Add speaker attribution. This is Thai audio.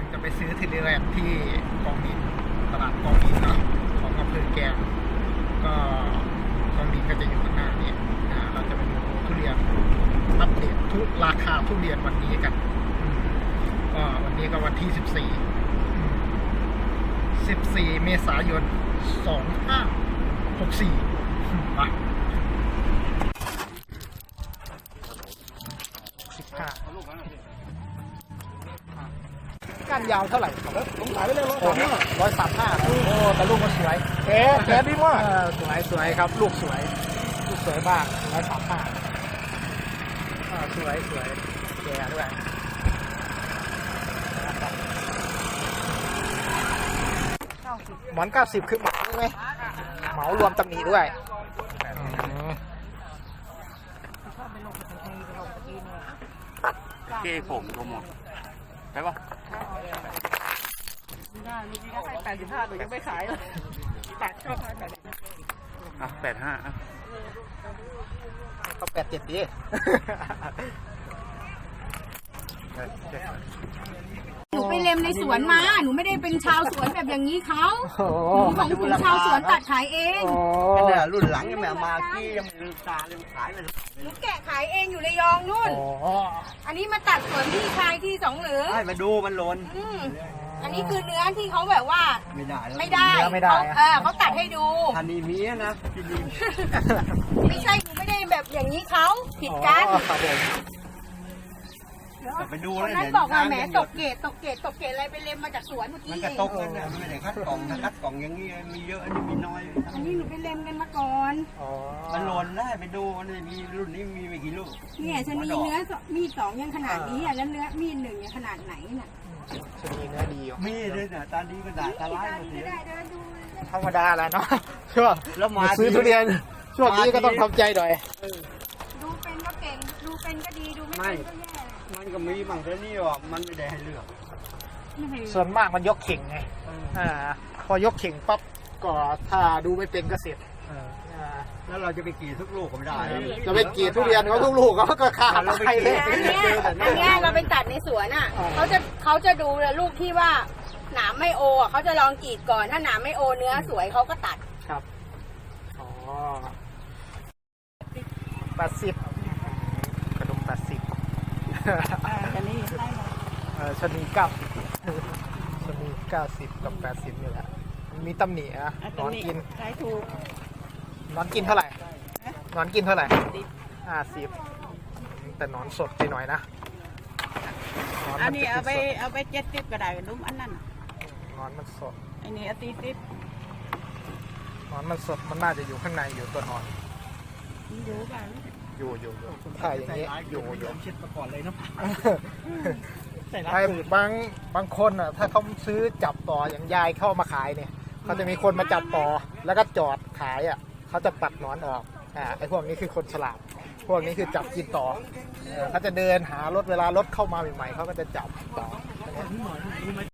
Speaker 1: จะไปซื้อทุเรียนที่กองดินตลาดกองดินเนาะของอำเภอแกลงก็กองดินก็จะอยู่ข้างหน้านี้เราจะไปดูทุเรียนอัปเดตทุกราคาทุเรียนวันนี้กันก็วันนี้ก็วันที่14 เมษายน 2564มาก้านยาวเท่าไหร่ผมขายไปเลย135โอ้แต่ลูกมันสวยแกดีมากสวยครับลูกสวยมาก135สวยแกด้วยหมอน90คือเหมาใช่ไหมเหมารวมตำหนิด้วย
Speaker 2: ผมรวมหมดใช่ปะ
Speaker 3: มีก็ให้85หนูยังไม่ขายเลยชอบขาย
Speaker 2: 85
Speaker 1: ก็87ดี
Speaker 4: หนูไปเล็มในสวนมาหนูไม่ได้เป็นชาวสวนแบบอย่างนี้เขาหนูของคุณชาวสวนตัดขายเอง
Speaker 3: เนี่ยรุ่นหลังยังไม่มากี้ยังไม่ตาเลยขายเลย
Speaker 4: หนูแกะขายเองอยู่ระยองนู่นอันนี้มาตัดสวนพี่ชายที่สองหรือ
Speaker 3: ให้มาดูมันหล่น
Speaker 4: อันนี้คือเนื้อที่เขาแบบว่า
Speaker 3: ไม่
Speaker 4: ได้เขาตัดให้ดู
Speaker 3: ทันนี้มีนะพี่ดิน
Speaker 4: ไม่ใช่หนูไม่ได้แบบอย่างนี้เขาผิดกัน
Speaker 3: ไปดูเลย
Speaker 4: นั้นบอกว่าแหมตกเกตอะไรไปเล็มมาจากสวนเมื่อกี้
Speaker 3: มันก็ตกกันเนี่ยไม่ได้คัดกล่องคัดกล่องอย่างนี้มีเยอะอันนี้มีน้อย
Speaker 4: อันนี้หนูไปเล็มกันมาก่อน
Speaker 3: มันหล่นได้ไปดูมันมีรุ่นนี้มีไม่กี่ลูก
Speaker 4: เนี่ยชนีเนื้อมีด2ยังขนาดนี้แล้วเนื้อมีด1ยังขนาดไหนน่ะ
Speaker 1: ชนีเนื้อดี
Speaker 3: มีเลยเนี่ยตาดีก็ด่าตาร้ายมาเสีย
Speaker 1: ธรรมดาแหละเนาะช่วงแล้วมาซื้อทุเรียนช่วงนี้ก็ต้องทำใจหน่อย
Speaker 4: ดูเป็นก็เก่งดูเป็นก็ดีดูไม่เป็นก็แย่
Speaker 3: มันก็มีบางเรื่องนี่ว่ามันไม่ได้ให้เลือก
Speaker 1: ส่วนมากมันยกเข่งไงพอยกเข่งปั๊บก็ถ้าดูไม่เป็นก็เสร็จ
Speaker 3: แล้วเราจะไปกี่ทุกลูกก็ไม่ได้
Speaker 1: จะไปกี่ทุเรียนเขาทุกลูกเขาก็ขาดเราไปเลย
Speaker 4: อันนี้เราเป็นตัดในสวนอ่ะเขาจะดูลูกที่ว่าหนามไม่โอเขาจะลองกรีดก่อนถ้าหนามไม่โอเนื้อสวยเขาก็ตัด
Speaker 1: ครับ80กระดุม80ชนี90กับ80นี่แหละมีตำหนินอนกิน
Speaker 4: ใช้ถูก
Speaker 1: นอนกินเท่าไหร่นอนกินเท่าไหร่50แต่นอนสดไปหน่อยนะ
Speaker 4: อันนี้เอาไป70ก็ได้นุ่มอันนั้น
Speaker 1: นอนมันสด
Speaker 4: อันนี้เอา40
Speaker 1: นอนมันสดมันน่าจะอยู่ข้างในอยู่ตัวนอน
Speaker 4: อยู่กัน
Speaker 1: อยู่ถ่ายอย่างนี้อยู่
Speaker 3: เช็ดมาก่อนเลยนะ
Speaker 1: ไอ้บางคนอ่ะถ้าเขาซื้อจับต่ออย่างยายเข้ามาขายเนี่ยเขาจะมีคนมาจับต่อแล้วก็จอดขายอ่ะเขาจะปัดหนอนออกไอ้พวกนี้คือคนฉลาดพวกนี้คือจับกินต่อเขาจะเดินหารถเวลารถเข้ามาใหม่ๆเขาก็จะจับต่อ